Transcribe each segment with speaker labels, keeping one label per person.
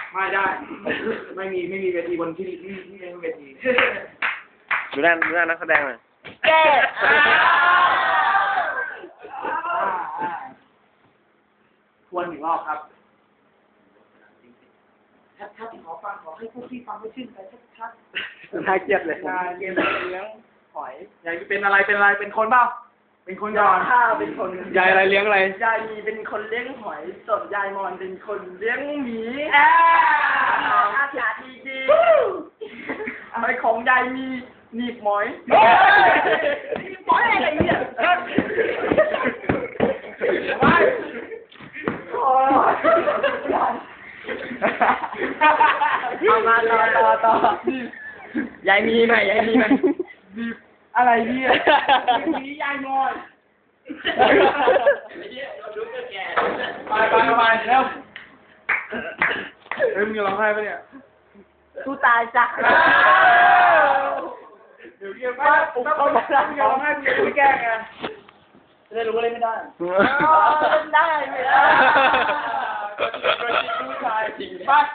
Speaker 1: ไม่ได้ไม่มีเวทีบนที่นี่ไม่มีเวที
Speaker 2: ดูหน้านักแสดงหน่อย
Speaker 3: แก้
Speaker 1: ทวนอีกรอบครับชัดๆขอฟังขอให้พวกพี่ฟังไม่ชื่นใจชัดๆน่าเกลียดเลยยายเลี้ยงหอยยายเป็นอะไรเป็นคนเปล่าเป็นคนก่อน
Speaker 3: ข้าเป็นคน
Speaker 1: ยายอะไรเลี้ยงอะไร
Speaker 3: ยายมีเป็นคนเลี้ยงหอยส่วนยายมอนเป็นคนเลี้ยงหมีอากาศดีๆอะไรของยายมีหนีบหมอยหนีบหมอยอะไรเนี่ยเอามาต่อยายมีไหมอะไรเนี่ยมียายมอน
Speaker 1: ไปแล้วมึงจะร้องไห้ปะเนี่ย
Speaker 3: กูตายจ้ะ
Speaker 1: เดี๋ยวเกี่ยวกับเขาบอกแล้วมึงจะร้องไห้มึงจะไม่แก้ไงจะได้รู้ว่าเล่นไม่ได้
Speaker 3: เล่นได้ไหม
Speaker 1: ผู้ชายจริงป่ะ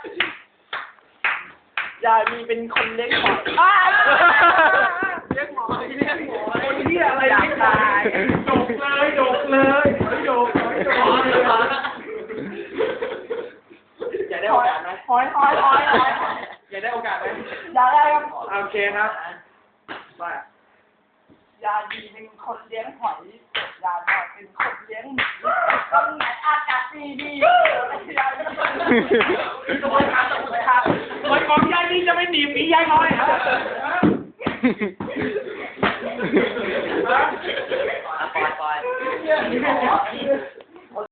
Speaker 3: ยายมีเป็นคนเลี้ยงหอย
Speaker 1: เลี้ยงหมอคนที่อะไรอยากตายโดกเลยโดกอยากได้โอกาสไหม
Speaker 3: หอย
Speaker 1: อยากได้โอกาสไหม
Speaker 3: อยากได้ครับ
Speaker 1: โอเคครับไป
Speaker 3: ยายมีเป็นคนเลี้ยงหอยยายมาเป็นคนเลี้ยงหมีตรงไหนอากาศดียาย
Speaker 1: ตัวขาดตัวขาดคนของยายนี่จะไม่หนีบหมียายน้อย